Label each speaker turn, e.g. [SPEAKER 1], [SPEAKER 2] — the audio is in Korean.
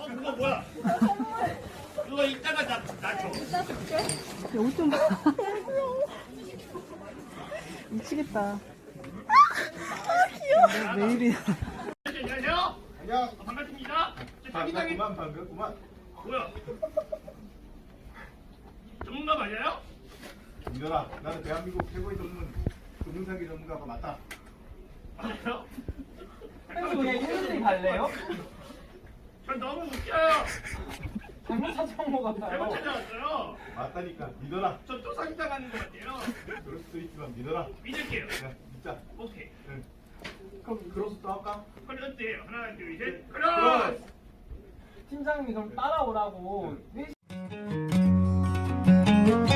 [SPEAKER 1] 그거 뭐야? 그거 이따가 나 줘.
[SPEAKER 2] 이따 줄게.
[SPEAKER 3] 옷 좀 봐. 미치겠다. 귀여워. 왜 이래.
[SPEAKER 1] 안녕하세요.
[SPEAKER 4] 안녕.
[SPEAKER 1] 반갑습니다. 저 자기장이
[SPEAKER 4] 반갑구만.
[SPEAKER 1] 뭐야? 전문가 맞아요?
[SPEAKER 4] 민현아, 나는 대한민국 최고의 전문 금융사기 전문가가 맞다.
[SPEAKER 1] 맞아요?
[SPEAKER 5] 형 그냥 힘들게 갈래요?
[SPEAKER 1] 전 너무 웃겨요.
[SPEAKER 5] 잘못 찾아온 것
[SPEAKER 1] 잘못
[SPEAKER 5] 같아요.
[SPEAKER 1] 찾아왔어요.
[SPEAKER 4] 맞다니까. 믿어라.
[SPEAKER 1] 저 또 사기당하는 것 같아요.
[SPEAKER 4] 그럴 수도 있지만 믿어라.
[SPEAKER 1] 믿을게요.
[SPEAKER 4] 야, 믿자.
[SPEAKER 1] 오케이.
[SPEAKER 4] 응. 그럼 크로스 또 할까?
[SPEAKER 1] 크로스예요. 하나, 둘, 셋.
[SPEAKER 4] 크로스!
[SPEAKER 1] 크로스!
[SPEAKER 5] 팀장님이 그럼 따라오라고.